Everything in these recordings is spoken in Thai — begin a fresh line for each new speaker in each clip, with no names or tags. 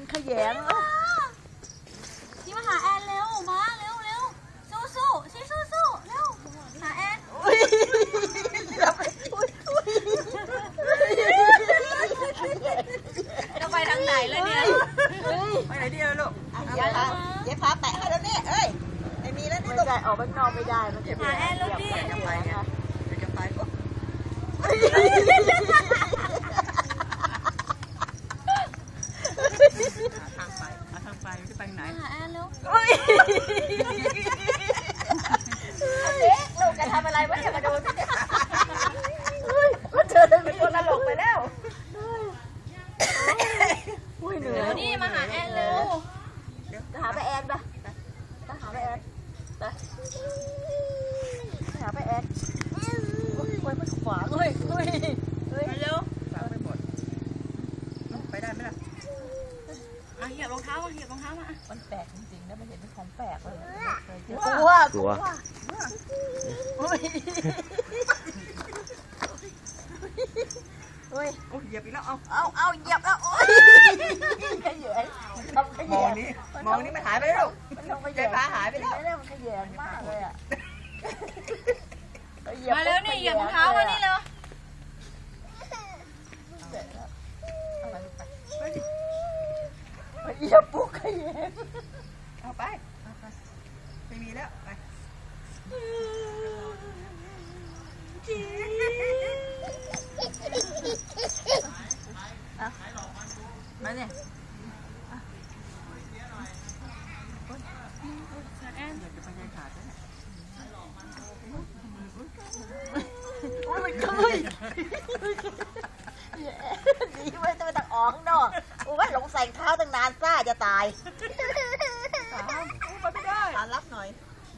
มันขยง
พี่มาหาแอนเร็วมาเร็วเร็วสู้สู้ชี้สู้สู้เร็วหาแอนจะไปทางไหนเลยเนี่ย
ไปไหนดีลูก
เย็บพาแตะให้แล้วเนี่ยเอ้ยไม่มีแล้วนี่ลูกออกไปนอกไม่ได้มันจะ
หาแอนแล้วดิ
จะไปไงจะไปก็ทางไปจะไปไหน
หาแอนเร็ว
ลูกจะทำอะไรวะเนี่ยมาดูสิมันเธอเป็นคนตลกไปแล้ว
เดี๋ยวนี่มาหาแอนเร็ว
จะหาไปแอนปะจะหาไปแอนไปหาไปแอนโอ้ยมันขวางเฮ้ย
เร็ว
ไปหมดไปได้ไหมล่ะ
เหยียบรองเท้ามาเหยียบรองเท้ามา
มันแปลกจริงๆนะมันเห็นเป็นของแปลกเลย
กลัว
เฮ้ย
เหยียบอีกแล้ว
เอาเหยียบแล้วโอ้ยขยง
มองนี้มันหายไปแล้วใจฟ้าหายไปแล้ว
มันขยงมากเลยอ่ะ
มาเร็วนี่เหยียบรองเท้ามานี่เร็ว
เหยียบปุ๊กขยง
เอาไปไม่มีแล้วไป
มาเนี่ย
แอนอยากจะไปยังขาดเนี่ย
โอ้ยมันคุยดีไว้จะไปตักออกข้างนอกโอ้ยหลงใส่เท้าตั้งนานซ่าจะตาย
ไปไม่ได้
รับหน่อย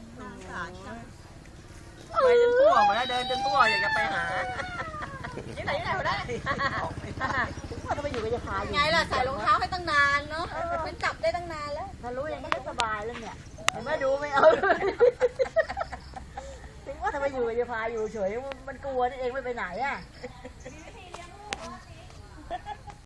ไปจนทั่วมาแล้วเดินจนทั่วอยากจะไปหา
ที่ไหนมาได้ว่าทำไมอยู่กับยาพาอยู่
ไงล่ะใส่รองเท้าให้ตั้งนานเนาะมันจับได้ตั้งนานแล้ว
ถ้ารู้อย่างนี้ก็สบายแล้วเนี่ยเห็นไหมดูไม่เอาถึงว่าทำไมอยู่กับยาพาอยู่เฉยมันกลัวนี่เองไม่ไปไหนอ่ะ